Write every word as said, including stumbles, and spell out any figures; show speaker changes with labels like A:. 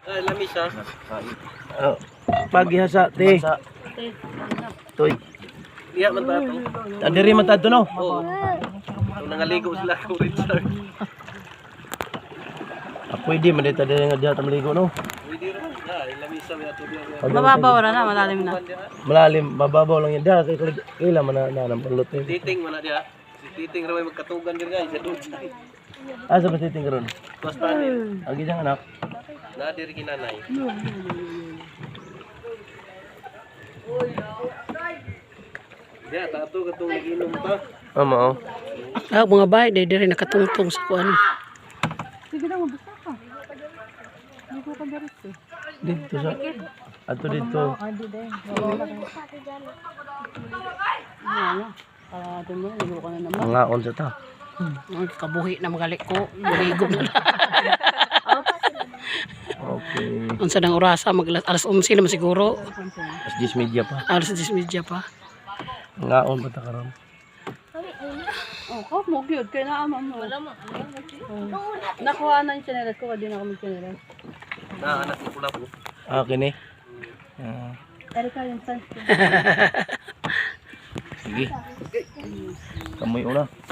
A: Ah, lamis ha.
B: Oh, paghihasa te. Toy.
A: Iya man ta to.
B: Andiri man tadto no.
A: Oo. Kung nangaligo sila ko Richard.
B: Ah, pwede man dito diri nga diha ta maligo no.
A: Pwede ra. Ah, lamis sa ato diya.
C: Mababaw ra na, malalim na.
B: Malalim, mababaw lang yan. Diha kay kailan man na na pulot eh.
A: Titing man na diya. Si Titing ra may magkatugan dir guys sa dun.
B: Ah, sa patiting karon.
A: Basta dir.
B: Agi jang anak.
A: Na dir kinanay. Diya tato katong naginom pa.
B: Amo oh.
C: Ah, mga bahay, dahil diri nakatungtong sa kuan.
B: Dito sa ato dito.
C: Ah, tumo na ko na naman.
B: Mga on sa ta.
C: Ang kabuhi na magalik ko, buhigo na.
B: Okay.
C: Unsa nang orasa mag alas eleven naman siguro.
B: As this media pa.
C: Alas diyes media pa.
B: Nga on pa ta karon.
C: Oh, ko mo gyud kay naa mo. Wala mo. Nakuha na yung channel ko, di na kami channel.
A: Na anak ko pula po.
B: Ah, kini. Ah.
C: Erika yung sunscreen.
B: Sige. Kamoy una.